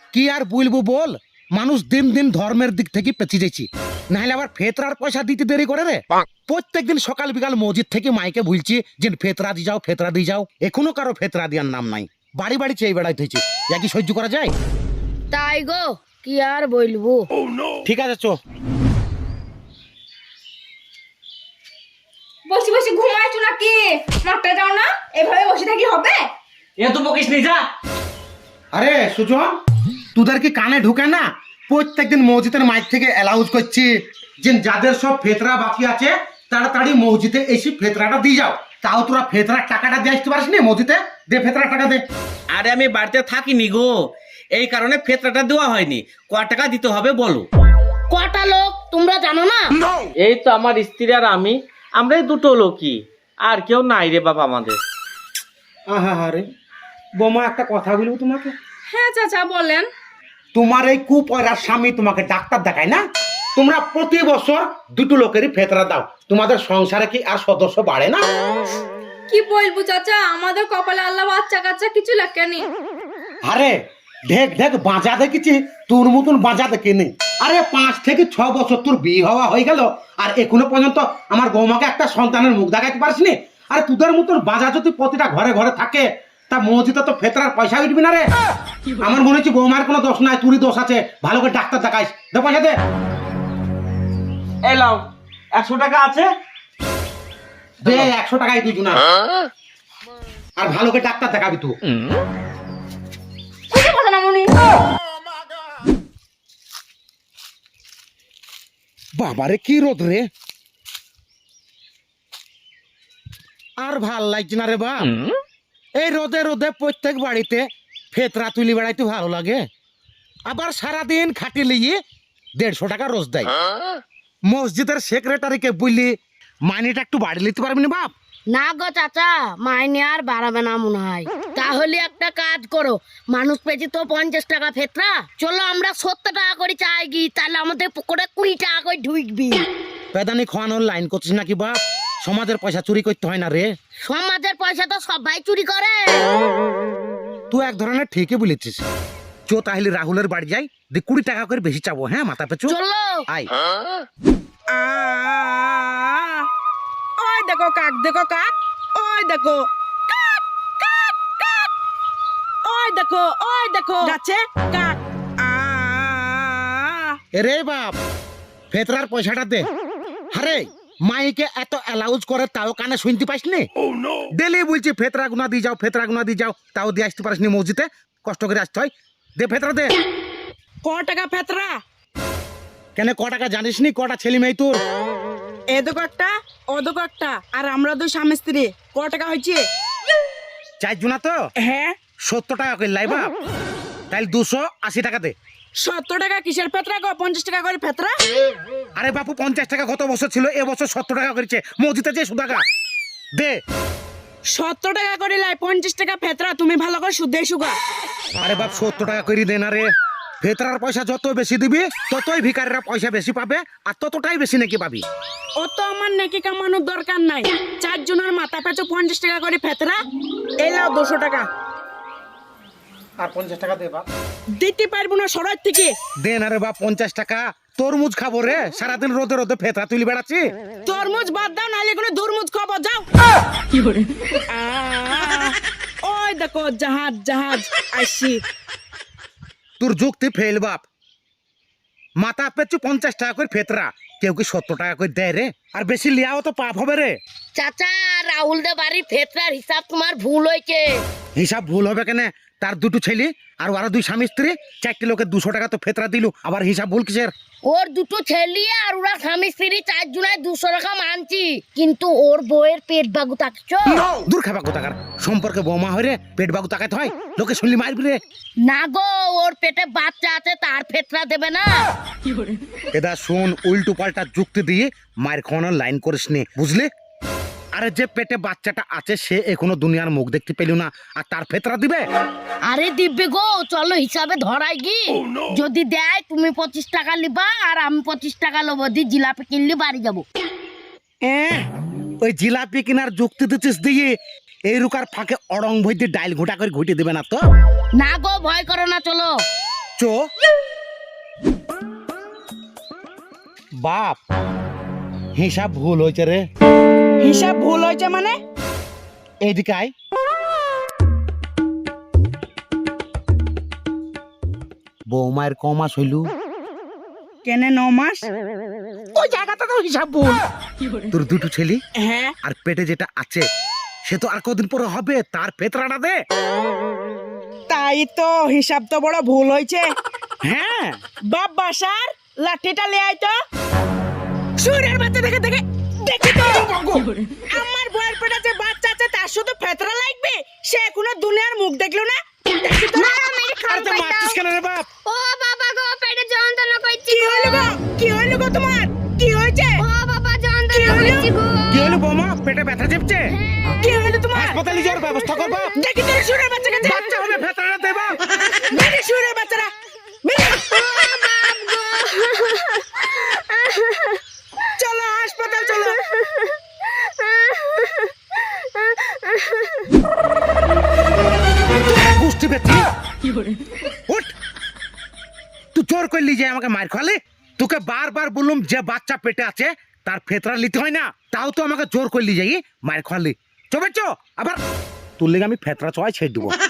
কি আর বলবো বল, মানুষ দিন দিন ধর্মের দিক থেকে পেঁচিয়ে যাচ্ছি, নাহলে আবার ফেতরার পয়সা দিতে দেরি করে রে। প্রত্যেকদিন সকাল বিকাল মসজিদ থেকে মাইকে বলছি যে ফেতরা দিয়ে যাও, ফেতরা দিয়ে যাও, এখনো কারো ফেতরা দেওয়ার নাম নাই। বাড়ি বাড়ি চেয়ে বেড়াইতে হয়েছে, একই সহ্য করা যায়? তাই গো, কি আর বলবো। ঠিক আছে চো। বসে বসে ঘুমাইছো নাকি? মাঠটা যাও না, এভাবে বসে থাকি হবে? এ তো বকিস নি, যা। আরে সুজন, তোদের কি কানে ঢুকে না? প্রত্যেকদিন মসজিদের মাইক থেকে অ্যালাউন্স করছি যে যাদের সব ফেতরা বাকি আছে তাড়াতাড়ি মসজিদে এসে ফেতরাটা দিয়ে যাও। তাও তোরা ফেতরার টাকাটা দিয়ে আসতে পারিস নি মসজিদে? দে ফেতরার টাকা দে। আরে আমি বাড়িতে থাকিনি গো, এই কারণে ফেতরাটা দেওয়া হয়নি। ক টাকা দিতে হবে বলো? কটা লোক তোমরা জানো না? এই তো আমার স্ত্রী আর আমি, আমরাই দুটো লোকই, আর কেউ নাই রে বাবা আমাদের। আহা রে বোমা, একটা কথা বলবো তোমাকে। হ্যাঁ চাচা বলেন। তোমার এই কুপয়রার স্বামী তোমাকে ডাক্তার দেখায় না? তোমরা প্রতি বছর দুটো লোকেরই ফেতরা দাও, তোমাদের সংসারে কি আর সদস্য বাড়ে না? কি বলবো চাচা, আমাদের কপালে আল্লাহ বাচ্চা কাচ্চা কিছু লেখেনি। আরে ঢেক ঢেক বাঁচা দেখেছি, তোর মতন বাঁচা দেখিনি। আরে 5 থেকে 6 বছর তোর বিয়ে হওয়া হয়ে গেল, আর এখনো পর্যন্ত আমার বৌমাকে একটা সন্তানের মুখ দেখাতে পারিসনি। আরে তোদের মতন বাঁচা যদি প্রতিটা ঘরে ঘরে থাকে, তা মসজিদে তো ফেতরার পয়সা উঠবি না রে। আমার মনে হচ্ছে বৌমার কোনো দোষ নাই, তোরই দোষ আছে। ভালো করে ডাক্তার দেখাইস, দে পয়সা দে। এলাও 100 টাকা আছে, দে 100 টাকাই দুজন, আর ভালো করে ডাক্তার দেখাবি তুই। কিছু কথা না মনি। বাবারে কি রোদ রে, আর ভাল লাগছে না রে বাপ। এই রোদে রোদে প্রত্যেক বাড়িতে ফেতরা তুলি বেড়াইতে ভালো লাগে, আবার সারাদিন খাটি লিয়ে 150 টাকা রোজ দেয়। মসজিদের সেক্রেটারিকে বললি মাইনেটা একটু বাড়ি নিতে পারবি না বাপ? না গো চাচা, মাইনে আর বাড়াবে না মনে হয়। তাহলে একটা কাজ করো, মানুষ পেয়েছি তো 50 টাকা ফেতরা, চলো আমরা 70 টাকা করে চাই গি, তাহলে আমাদের পুকুরে 20 টাকা করে ঢুকবি। পেদানি খাওয়ানোর লাইন করছিস নাকি বাপ? সমাজের পয়সা চুরি করতে হয় না রে। সমাজের পয়সা তো সবাই চুরি করে। তুই এক ধরনের ঠিকই বলেছিস। চো তাহলে রাহুলের বাড়ি যাই, 20 টাকা করে বেশি চাবো। হ্যাঁ মাথা পেছু চলো। আই। ওই দেখো কাক, দেখো কাক, ওই দেখো কাক, কাক, কাক, ওই দেখো গাছে কাক। রে বাপ, ফেতরার পয়সাটা দে। আরে মাইকে এত অ্যালাউন্স করে তাও কানে শুনতে পাইস নি? ডেলি বলছি ফেতরা গুনা দিয়ে যাও, ফেতরা গুনা দিয়ে যাও, তাও দিয়ে আসতে পারিস নি মসজিদে, কষ্ট করে আসতে হয়। দে ফেতরা দে। ক টাকা ফেতরা? কেন ক টাকা জানিস নি? কটা ছেলে মেয়ে তোর? এ দেখো একটা, ও দেখো একটা, আর আমরা দুই স্বামী স্ত্রী। ক টাকা হয়েছে? 4 জনা তো হ্যাঁ। 70 টাকা করে লাই বাপ, তাহলে 280 টাকা দে। 70 টাকা কিসের ফেতরা গো? 50 টাকা করে ফেতরা। আরে বাপু 50 টাকা গত বছর ছিল, এবছর 70 টাকা করেছে মসজিদে যে সুদাকা। দে। 70 টাকা করে লাই, 50 টাকা ফেতরা। তুমি ভালো করে শুদ্ধ সুগা। আরে বাপ 70 টাকা করে দে না রে। ফেতরার পয়সা যত বেশি দিবি ততই ভিখারিরা পয়সা বেশি পাবে, আর ততটাই বেশি নাকি পাবি। ও তো আমার নাকি কামানোর দরকার নাই। 4 জনের মাথা পেঁচো 50 টাকা করে ফেতরা। এই লাও 200 টাকা। আর 50 টাকা দে বাপ। দিতে পারবো না সরাই থেকে। দে না রে বাপ 50 টাকা। তরমুজ খাবো রে, সারাদিন রোদে রোদে ফেতরা তুলি বেড়াচ্ছি। তরমুজ বাদ দাও, নাহলে কোনো দুরমুজ খাবো, যাও। ওই দেখো জাহাজ, জাহাজ আসি। তোর যুক্তি ফেল বাপ। মাথা পেছু 50 টাকা করে ফেতরা, কেউ কি 70 টাকা করে দেয় রে? আর বেশি লিয়াও তো পাপ হবে রে। চাচা, রাহুল দে বাড়ির ফেতরার হিসাব তোমার ভুল হয়েছে। হিসাব ভুল হবে কেন? তার দুটো ছেলে আর ওরা 2 স্বামী স্ত্রী, 4টে লোকের 200 টাকা তো ফেতরা দিল, আবার হিসাব ভুল কিসের? ওর দুটো ছেলে আর ওরা স্বামী স্ত্রী 4 জনায় 200 টাকা মানছি, কিন্তু ওর বউয়ের পেট বাগু থাকছো। দূর খাবা কোথাকার, সম্পর্কে বৌমা হয়ে রে পেট বাগু তাকাতে হয়? লোকে শুনলি মারবি রে। না গো, ওর পেটে বাচ্চা আছে, তার ফেতরা দেবে না। এদা শোন, উল্টো পাল্টা যুক্তি দিয়ে মায়ের খাওয়ানোর লাইন করিস নি, বুঝলি? আরে যে পেটে বাচ্চাটা আছে সে এখনো দুনিয়ার মুখ দেখতে পেল না, আর তার ফেতরা দিবে? আরে দিব্যে গো, চলো হিসাবে ধরাই গি। যদি দেয় তুমি 25 টাকা লিবা, আর আমি 25 টাকা লব, দি জিলাপি কিনলি বাড়ি যাবো। ওই জিলাপি কিনার যুক্তি দিচ্ছিস দিয়ে এই রুকার ফাঁকে অড়ং ভই দিয়ে ডাইল ঘোটা করে ঘুটে দিবে না তো? না গো, ভয় করো না, চলো। চো বাপ হিসাব ভুল হয়েছে রে। হিসাব ভুল হয়েছে মানে? এইদিকে আয়। বৌমায়ের ক মাস হইল? কেনে 9 মাস? ওই জায়গাটা তো হিসাব ভুল। তোর দুটো ছেলে হ্যাঁ, আর পেটে যেটা আছে সে তো আর কদিন পরে হবে, তার ফেতরাটা দে। তাই তো, হিসাব তো বড় ভুল হয়েছে। হ্যাঁ বাপ বাসার লাঠিটা লে আয় তো। সুরের বাচ্চা দেখে দেখে দেখি তো আমার বউয়ের পেটে যে বাচ্চা আছে তার শুধু ফেতরা লাগবে, সে এখনো দুনিয়ার মুখ দেখলো না। দেখি তো। আর তুই মারছিস কেন রে বাপ? ও বাবা গো, পেটে যন্ত্রণা করছি কি হইলো গো? কি হইলো গো তোমার? কি হয়েছে? ও বাবা, যন্ত্রণা করছি গো। কি হলো বৌমা, পেটে ব্যথা চেপছে? কি হইলো তোমার? হাসপাতালে যাওয়ার ব্যবস্থা কর বাপ। দেখি তো সুরের বাচ্চাকে যা। বাচ্চা হবে, ফেতরাটা দে বাপ। বেরিয়ে সুরের বাচ্চারা বেরিয়ে। চলো হাসপাতাল চলো। বুঝতে পেরেছি। উঠ, তুই জোর করলি যে আমাকে মার খালি। তোকে বারবার বললাম যে বাচ্চা পেটে আছে তার ফেতরা নিতে হয় না, তাও তো আমাকে জোর করলি যাই মার খালি। চবে চো আবার তোর লেগে আমি ফেতরা চয় ছেড়ে দেবো।